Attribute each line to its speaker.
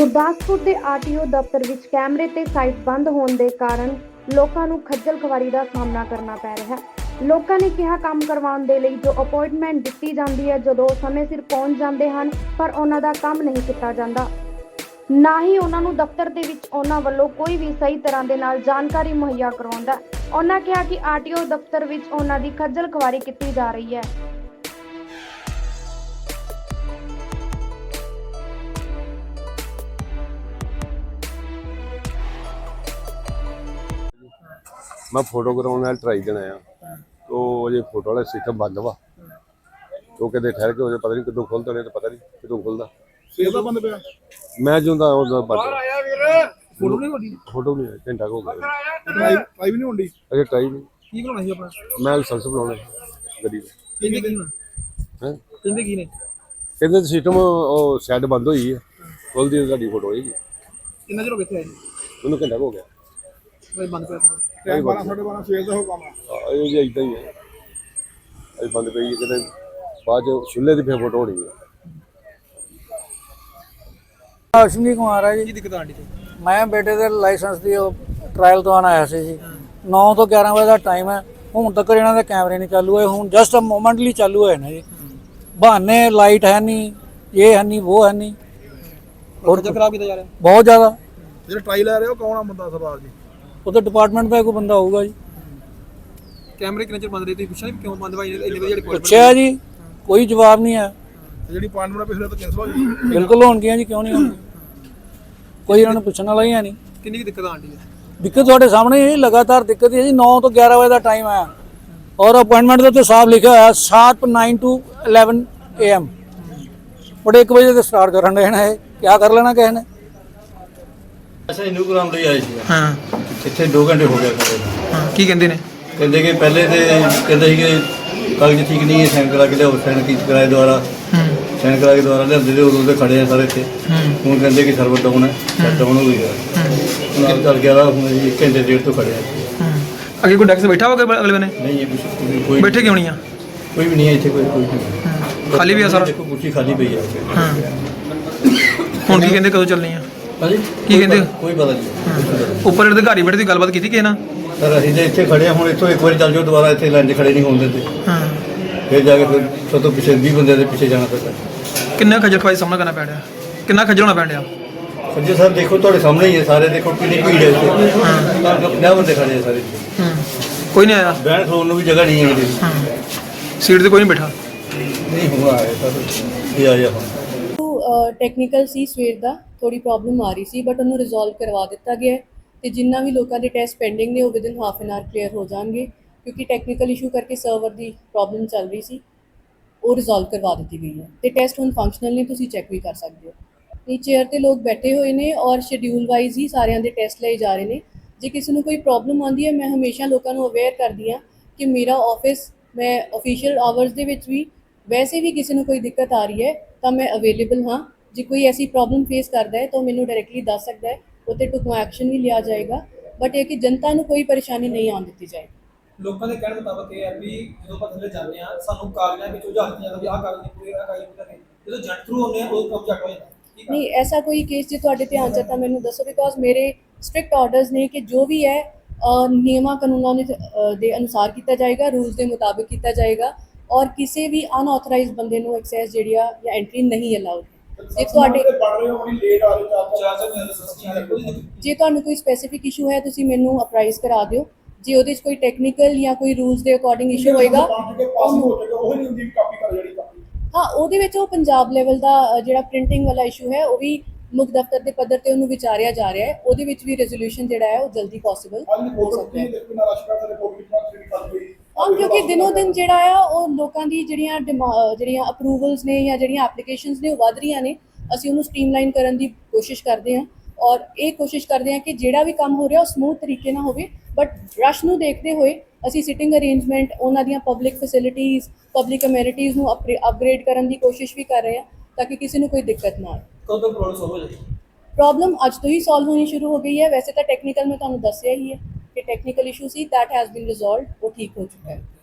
Speaker 1: ਗੁਰਦਾਸਪੁਰ ਦੇ ਆਰਟੀਓ ਦਫ਼ਤਰ ਵਿੱਚ ਕੈਮਰੇ ਤੇ ਸਾਈਟ ਬੰਦ ਹੋਣ ਦੇ ਕਾਰਨ ਲੋਕਾਂ ਨੂੰ ਖੱਜਲ ਖਵਾਰੀ ਦਾ ਸਾਹਮਣਾ ਕਰਨਾ ਪੈ ਰਿਹਾ ਹੈ। ਲੋਕਾਂ ਨੇ ਕਿਹਾ ਕੰਮ ਕਰਵਾਉਣ ਦੇ ਲਈ ਜੋ ਅਪਾਇੰਟਮੈਂਟ ਦਿੱਤੀ ਜਾਂਦੀ ਹੈ, ਜਦੋਂ ਸਮੇਂ ਸਿਰ ਪਹੁੰਚ ਜਾਂਦੇ ਹਨ ਪਰ ਉਹਨਾਂ ਦਾ ਕੰਮ ਨਹੀਂ ਕੀਤਾ ਜਾਂਦਾ। ਨਾ ਹੀ ਉਹਨਾਂ ਨੂੰ ਦਫ਼ਤਰ ਦੇ ਵਿੱਚ ਉਹਨਾਂ ਵੱਲੋਂ ਕੋਈ ਵੀ ਸਹੀ ਤਰ੍ਹਾਂ ਦੇ ਨਾਲ ਜਾਣਕਾਰੀ ਮੁਹੱਈਆ ਕਰਵਾਉਂਦਾ। ਉਹਨਾਂ ਕਿਹਾ ਕਿ ਆਰਟੀਓ ਦਫ਼ਤਰ ਵਿੱਚ ਉਹਨਾਂ ਦੀ ਖੱਜਲ ਖਵਾਰੀ ਕੀਤੀ ਜਾ ਰਹੀ ਹੈ।
Speaker 2: मैं फोटो कराने ट्राई देना आ तो ये फोटो वाला सिस्टम बंद वा तो कहते ठहर के पता नहीं कितों खुलता नहीं तो पता नहीं कितों खुलता मैं जो फोटो नहीं घंटा हो गया अरे ट्राई नहीं मैं लाइसेंस बनाने गड्डी कहते सिस्टम सैट बंद हुई है खुलती साड़ी फोटो होगी उन्होंने घंटा हो गया इदा ही है अभी बंद पई है बाद चूल्हे की फिर फोटो होनी है।
Speaker 3: अश्विनी कुमार है जी। दिक्कत आंटी मैं बेटे के लाइसेंस की ट्रायल तो आया सी जी 9 तो 11 बजे का टाइम है हूँ तक इन्हों के कैमरे नहीं चालू है हूँ जस्ट मोमेंटली चालू है ना जी बहाने लाइट है नहीं ये है नहीं वो है नहीं और खराब किया जा रहा है बहुत ज़्यादा
Speaker 4: जो ट्रायल ले रहे हो कौन बंदा सरदार जी
Speaker 3: वो तो डिपार्टमेंट का कोई बंदा होगा जी।
Speaker 4: कैमरे कितने चेर बंद रहे थे पूछा नहीं क्यों बंद भाई
Speaker 3: पूछा जी कोई जवाब नहीं है
Speaker 4: जी अपॉइंटमेंट पिछले तो कैंसिल हो गई
Speaker 3: बिल्कुल होगी जी क्यों नहीं होगी कोई उन्होंने पूछने वाला ही है नहीं।
Speaker 4: कितनी दिक्कत आंटी है
Speaker 3: दिक्कत थोड़े सामने ही लगातार दिक्कत है जी 9 तो 11 बजे का टाइम है और अपॉइंटमेंट तो साफ लिखा है शार्प 9 to 11 AM बड़े 1 बजे से स्टार्ट कर देना है क्या कर लेना किसी ने
Speaker 5: अच्छा इनू कराउण ਲਈ ਆਏ ਸੀ
Speaker 4: हाँ
Speaker 5: ਇੱਥੇ 2 ਘੰਟੇ ਹੋ ਗਏ ਖੜੇ
Speaker 4: हाँ की कहते ने
Speaker 5: ਕਹਿੰਦੇ ਕਿ ਪਹਿਲੇ ਤੇ ਕਹਿੰਦੇ ਸੀ ਕਿ ਕਾਗਜ਼ ਠੀਕ ਨਹੀਂ ਹੈ ਸਾਈਨ ਕਰਾ ਕੇ ਲਿਆਓ ਸਾਈਨ ਕੀ ਕਰਾਏ ਦੁਆਰਾ ਸਾਈਨ ਕਰਾ ਕੇ ਦੁਆਰਾ ਲਿਆਉਂਦੇ ਤੇ ਉਦੋਂ ਤੇ ਖੜੇ ਆ ਸਾਰੇ ਇੱਥੇ ਹੁਣ ਕਹਿੰਦੇ ਕਿ ਸਰਵਰ ਡਾਊਨ ਹੈ ਸ਼ਟ ਡਾਊਨ ਹੋ ਗਿਆ ਹੁਣ ਚੱਲ ਗਿਆ ਹੁਣ 1 ਘੰਟੇ ਡੇਢ ਤੋਂ ਖੜੇ ਆ
Speaker 4: आगे कोई डेस्क बैठा होगा अगले बने
Speaker 5: नहीं ये कोई
Speaker 4: बैठे क्यों नहीं है
Speaker 5: कोई भी नहीं है ਇੱਥੇ कोई नहीं
Speaker 4: खाली भी है सारा
Speaker 5: देखो कुर्सी खाली पई है
Speaker 4: हाँ ਹੁਣ ਕੀ ਕਹਿੰਦੇ ਕਦੋਂ ਚੱਲਣੀ ਆ
Speaker 5: ਹਾਂਜੀ
Speaker 4: ਕੀ ਕਹਿੰਦੇ
Speaker 5: ਕੋਈ ਪਤਾ ਨਹੀਂ
Speaker 4: ਉੱਪਰ ਅਧਿਕਾਰੀ ਬੈਠੇ ਦੀ ਗੱਲਬਾਤ ਕੀਤੀ ਕਿਸੇ ਨਾਲ
Speaker 5: ਸਰ ਅਸੀਂ ਤੇ ਇੱਥੇ ਖੜੇ ਆ ਹੁਣ ਇੱਥੋਂ ਇੱਕ ਵਾਰੀ ਚੱਲ ਜਾਓ ਦੁਬਾਰਾ ਇੱਥੇ ਲਾਈਨ 'ਚ ਖੜੇ ਨਹੀਂ ਹੋਣ ਦਿੰਦੇ
Speaker 4: ਹਾਂ
Speaker 5: ਫਿਰ ਜਾ ਕੇ ਫਿਰ ਸਭ ਤੋਂ ਪਿੱਛੇ 20 ਬੰਦੇ ਦੇ ਪਿੱਛੇ ਜਾਣਾ ਪੈਂਦਾ।
Speaker 4: ਕਿੰਨਾ ਖੱਜਲ ਖਵਾਈ ਸਾਹਮਣਾ ਕਰਨਾ ਪੈ ਰਿਹਾ ਕਿੰਨਾ ਖੱਜਲ ਹੋਣਾ ਪੈ ਰਿਹਾ
Speaker 5: ਸੱਜੇ ਸਰ ਦੇਖੋ ਤੁਹਾਡੇ ਸਾਹਮਣੇ ਹੀ ਹੈ ਸਾਰੇ ਦੇਖੋ ਕਿੰਨੀ ਭੀੜ ਹੈ ਇੱਥੇ ਹਾਂ 50 ਬੰਦੇ ਖੜੇ ਆ ਸਾਰੇ
Speaker 4: ਕੋਈ ਨਹੀਂ ਆਇਆ
Speaker 5: ਬਹਿਣ ਖਲੋਣ ਨੂੰ ਵੀ ਜਗ੍ਹਾ ਨਹੀਂ ਹੈ ਇਹਦੇ
Speaker 4: ਹਾਂ ਸੀਟ ਤੇ ਕੋਈ ਨਹੀਂ ਬੈਠਾ
Speaker 5: ਨਹੀਂ ਹੁਆ ਆਇਆ ਸਰ ਇਹ ਆਇਆ ਹੁਣ
Speaker 6: ਟੈਕਨੀਕਲ ਸੀ ਸਵੇਰ ਦਾ ਥੋੜੀ ਪ੍ਰੋਬਲਮ ਆ ਰਹੀ ਸੀ ਬਟ ਉਹਨੂੰ ਰਿਜ਼ੋਲਵ ਕਰਵਾ ਦਿੱਤਾ ਗਿਆ ਤੇ ਜਿੰਨਾ ਵੀ ਲੋਕਾਂ ਦੇ ਟੈਸਟ ਪੈਂਡਿੰਗ ਨੇ ਉਹ within half an hour clear ਹੋ ਜਾਣਗੇ ਕਿਉਂਕਿ ਟੈਕਨੀਕਲ ਇਸ਼ੂ ਕਰਕੇ ਸਰਵਰ ਦੀ ਪ੍ਰੋਬਲਮ ਚੱਲ ਰਹੀ ਸੀ ਉਹ ਰਿਜ਼ੋਲਵ ਕਰਵਾ ਦਿੱਤੀ ਗਈ ਹੈ ਤੇ ਟੈਸਟ ਹੁਣ ਫੰਕਸ਼ਨਲ ਨੇ ਤੁਸੀਂ ਚੈੱਕ ਵੀ ਕਰ ਸਕਦੇ ਹੋ। ਇਹ ਚੇਅਰ ਤੇ ਲੋਕ ਬੈਠੇ ਹੋਏ ਨੇ ਔਰ ਸ਼ਡਿਊਲ ਵਾਈਜ਼ ਹੀ ਸਾਰਿਆਂ ਦੇ ਟੈਸਟ ਲਏ ਜਾ ਰਹੇ ਨੇ। ਜੇ ਕਿਸੇ ਨੂੰ ਕੋਈ ਪ੍ਰੋਬਲਮ ਆਉਂਦੀ ਹੈ ਮੈਂ ਹਮੇਸ਼ਾ ਲੋਕਾਂ ਨੂੰ ਅਵੇਅਰ ਕਰਦੀ ਹਾਂ ਕਿ ਮੇਰਾ ਆਫਿਸ ਮੈਂ ਆਫੀਸ਼ੀਅਲ ਆਵਰਸ ਦੇ ਵਿੱਚ ਵੀ ਵੈਸੇ ਵੀ ਕਿਸੇ ਨੂੰ ਕੋਈ ਦਿੱਕਤ ਆ ਰਹੀ ਹੈ ਤਾਂ ਮੈਂ ਅਵੇਲੇਬਲ ਹਾਂ। ਜੇ ਕੋਈ ਐਸੀ ਪ੍ਰੋਬਲਮ ਫੇਸ ਕਰਦਾ ਹੈ ਤਾਂ ਮੈਨੂੰ ਡਾਇਰੈਕਟਲੀ ਦੱਸ ਸਕਦਾ ਹੈ ਉੱਤੇ ਟੁਕਮਾ ਐਕਸ਼ਨ ਵੀ ਲਿਆ ਜਾਏਗਾ ਬਟ ਇਹ ਕਿ ਜਨਤਾ ਨੂੰ ਕੋਈ ਪਰੇਸ਼ਾਨੀ ਨਹੀਂ ਆਉਣ ਦਿੱਤੀ ਜਾਏਗੀ।
Speaker 7: ਲੋਕਾਂ ਦੇ ਕਹਿਣ ਮੁਤਾਬਕ ਇਹ ਹੈ ਵੀ ਜਦੋਂ ਆਪਾਂ ਥੱਲੇ ਜਾਂਦੇ ਆ ਸਾਨੂੰ ਕਾਗਜ਼ਾਂ ਵਿੱਚ ਉਲਝਾ ਦਿੱਤਾ ਜਾਂਦਾ ਵੀ ਆਹ ਕਾਗਜ਼ ਨਹੀਂ ਪੂਰੇ ਆਹ ਕਾਗਜ਼ ਪੂਰੇ ਜਦੋਂ ਜੱਟ ਥਰੂ ਹੁੰਦੇ ਆ ਉਹ ਕੰਮ ਝੱਟ ਹੋ ਜਾਂਦਾ
Speaker 6: ਨਹੀਂ ਐਸਾ ਕੋਈ ਕੇਸ ਜੇ ਤੁਹਾਡੇ ਧਿਆਨ 'ਚ ਤਾਂ ਮੈਨੂੰ ਦੱਸੋ ਬਿਕੋਜ਼ ਮੇਰੇ ਸਟ੍ਰਿਕਟ ਆਰਡਰਸ ਨੇ ਕਿ ਜੋ ਵੀ ਹੈ ਨਿਯਮਾਂ ਕਾਨੂੰਨਾਂ ਦੇ ਅਨੁਸਾਰ ਕੀਤਾ ਜਾਏਗਾ ਰੂਲਸ ਦੇ ਮੁਤਾਬਿਕ ਕੀਤਾ ਜਾਏਗਾ ਔਰ ਕਿਸੇ ਵੀ ਅਨਆਥੋਰਾਈਜ਼ਡ ਬੰਦੇ ਨੂੰ ਐਕਸੈਸ ਜਿਹੜੀ ਆ ਜਾਂ ਐਂਟਰੀ ਨਹੀਂ ਅਲਾਉਡ। ਜੇ ਤੁਹਾਨੂੰ ਕੋਈ ਸਪੈਸੀਫਿਕ ਇਸ਼ੂ ਹੈ ਤੁਸੀਂ ਮੈਨੂੰ ਅਪਰਾਈਜ਼ ਕਰਾ ਦਿਓ ਜੇ ਉਹਦੇ 'ਚ ਕੋਈ ਟੈਕਨੀਕਲ ਜਾਂ ਕੋਈ ਰੂਲਸ ਦੇ ਅਕੋਰਡਿੰਗ ਇਸ਼ੂ ਹੋਏਗਾ ਹਾਂ ਉਹਦੇ ਵਿੱਚ ਉਹ ਪੰਜਾਬ ਲੈਵਲ ਦਾ ਜਿਹੜਾ ਪ੍ਰਿੰਟਿੰਗ ਵਾਲਾ ਇਸ਼ੂ ਹੈ ਉਹ ਵੀ ਮੁੱਖ ਦਫ਼ਤਰ ਦੇ ਪੱਧਰ ਤੇ ਉਹਨੂੰ ਵਿਚਾਰਿਆ ਜਾ ਰਿਹਾ ਹੈ ਉਹਦੇ ਵਿੱਚ ਵੀ ਰੈਜ਼ੋਲੂਸ਼ਨ ਜਿਹੜਾ ਹੈ ਉਹ ਜਲਦੀ ਪੋਸੀਬਲ ਹੋ ਸਕਦਾ ਹੈ। ਕਿਉਂਕਿ ਦਿਨੋਂ ਦਿਨ ਜਿਹੜਾ ਆ ਉਹ ਲੋਕਾਂ ਦੀ ਜਿਹੜੀਆਂ ਅਪਰੂਵਲਸ ਨੇ ਜਾਂ ਜਿਹੜੀਆਂ ਐਪਲੀਕੇਸ਼ਨਸ ਨੇ ਉਹ ਵੱਧ ਰਹੀਆਂ ਨੇ ਅਸੀਂ ਉਹਨੂੰ ਸਟ੍ਰੀਮਲਾਈਨ ਕਰਨ ਦੀ ਕੋਸ਼ਿਸ਼ ਕਰਦੇ ਹਾਂ ਔਰ ਇਹ ਕੋਸ਼ਿਸ਼ ਕਰਦੇ ਹਾਂ ਕਿ ਜਿਹੜਾ ਵੀ ਕੰਮ ਹੋ ਰਿਹਾ ਉਹ ਸਮੂਥ ਤਰੀਕੇ ਨਾਲ ਹੋਵੇ ਬਟ ਰਸ਼ ਨੂੰ ਦੇਖਦੇ ਹੋਏ ਅਸੀਂ ਸਿਟਿੰਗ ਅਰੇਂਜਮੈਂਟ ਉਹਨਾਂ ਦੀਆਂ ਪਬਲਿਕ ਫੈਸਿਲਿਟੀਜ਼ ਪਬਲਿਕ ਅਮੈਨਿਟੀਜ਼ ਨੂੰ ਅਪਗ੍ਰੇਡ ਕਰਨ ਦੀ ਕੋਸ਼ਿਸ਼ ਵੀ ਕਰ ਰਹੇ ਹਾਂ ਤਾਂ ਕਿ ਕਿਸੇ ਨੂੰ ਕੋਈ ਦਿੱਕਤ ਨਾ ਆਏ।
Speaker 7: ਕਦੋਂ ਤੱਕ ਪ੍ਰੋਬਲਮ ਸੋਲਵ ਹੋ ਜਾਏਗੀ?
Speaker 6: ਪ੍ਰੋਬਲਮ ਅੱਜ ਤੋਂ ਹੀ ਸੋਲਵ ਹੋਣੀ ਸ਼ੁਰੂ ਹੋ ਗਈ ਹੈ। ਵੈਸੇ ਤਾਂ ਟੈਕਨੀਕਲ ਮੈਂ ਤੁਹਾਨੂੰ ਦੱਸਿਆ ਹੀ ਹੈ कि technical issue see that has been resolved वो ठीक हो चुका है।